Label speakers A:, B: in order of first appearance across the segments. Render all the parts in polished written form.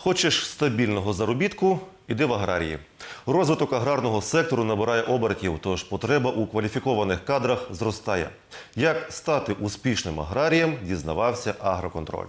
A: Хочеш стабільного заробітку – іди в аграрії. Розвиток аграрного сектору набирає обертів, тож потреба у кваліфікованих кадрах зростає. Як стати успішним аграрієм, дізнавався «Агроконтроль».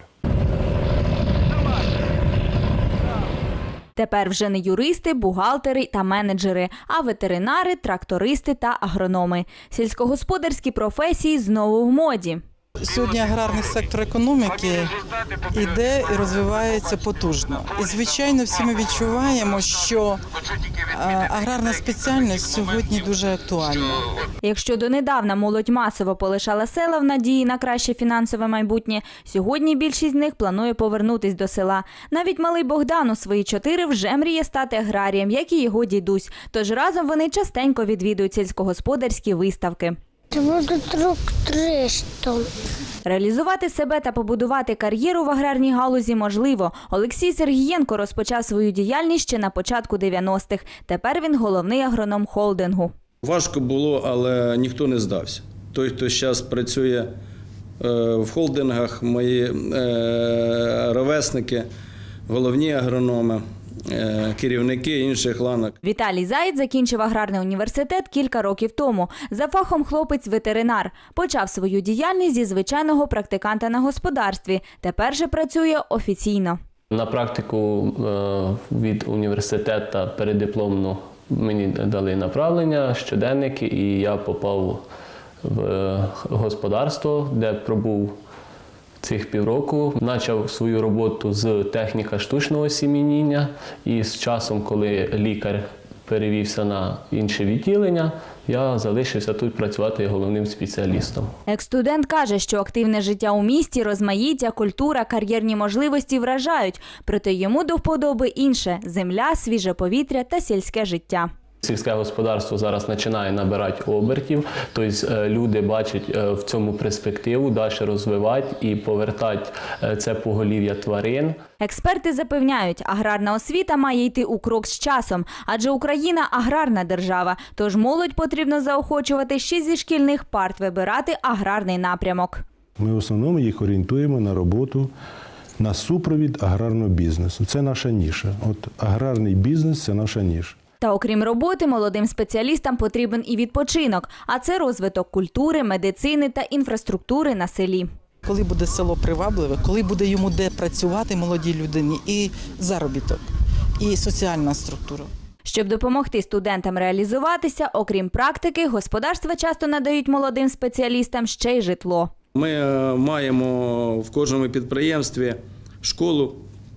B: Тепер вже не юристи, бухгалтери та менеджери, а ветеринари, трактористи та агрономи. Сільськогосподарські професії знову в моді.
C: Сьогодні аграрний сектор економіки йде і розвивається потужно. І, звичайно, всі ми відчуваємо, що аграрна спеціальність сьогодні дуже актуальна.
B: Якщо донедавна молодь масово полишала села в надії на краще фінансове майбутнє, сьогодні більшість з них планує повернутись до села. Навіть малий Богдан у свої 4 вже мріє стати аграрієм, як і його дідусь. Тож разом вони частенько відвідують сільськогосподарські виставки.
D: Я буду трактористом.
B: Реалізувати себе та побудувати кар'єру в аграрній галузі можливо. Олексій Сергієнко розпочав свою діяльність ще на початку 90-х. Тепер він головний агроном холдингу.
E: Важко було, але ніхто не здався. Той, хто зараз працює в холдингах, мої ровесники, головні агрономи, керівники інших ланок.
B: Віталій Заєць закінчив аграрний університет кілька років тому. За фахом хлопець ветеринар. Почав свою діяльність зі звичайного практиканта на господарстві. Тепер же працює офіційно.
F: На практику від університету переддипломну мені дали направлення, щоденники, і я попав в господарство, де пробув цих півроку. Почав свою роботу з техніка штучного осіміння, і з часом, коли лікар перевівся на інше відділення, я залишився тут працювати головним спеціалістом.
B: Екс-студент каже, що активне життя у місті, розмаїття, культура, кар'єрні можливості вражають. Проте йому до вподоби інше – земля, свіже повітря та сільське життя.
F: Сільське господарство зараз починає набирати обертів, тобто люди бачать в цьому перспективу, далі розвивати і повертати це поголів'я тварин.
B: Експерти запевняють, аграрна освіта має йти у крок з часом, адже Україна – аграрна держава, тож молодь потрібно заохочувати ще зі шкільних парт вибирати аграрний напрямок.
G: Ми в основному їх орієнтуємо на роботу, на супровід аграрного бізнесу. Це наша ніша. От аграрний бізнес – це наша ніша.
B: Та окрім роботи, молодим спеціалістам потрібен і відпочинок, а це розвиток культури, медицини та інфраструктури на селі.
C: Коли буде село привабливе, коли буде йому де працювати молодій людині, і заробіток, і соціальна структура.
B: Щоб допомогти студентам реалізуватися, окрім практики, господарства часто надають молодим спеціалістам ще й житло.
E: Ми маємо в кожному підприємстві школу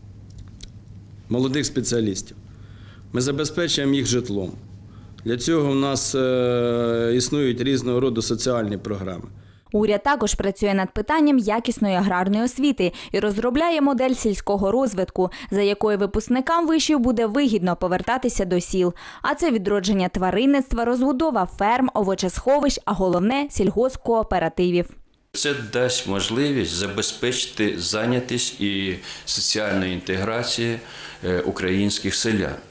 E: молодих спеціалістів. Ми забезпечуємо їх житлом. Для цього в нас існують різного роду соціальні програми.
B: Уряд також працює над питанням якісної аграрної освіти і розробляє модель сільського розвитку, за якою випускникам вишів буде вигідно повертатися до сіл. А це відродження тваринництва, розбудова ферм, овочесховищ, а головне – сільгоспкооперативів.
H: Це дасть можливість забезпечити зайнятість і соціальну інтеграцію українських селян.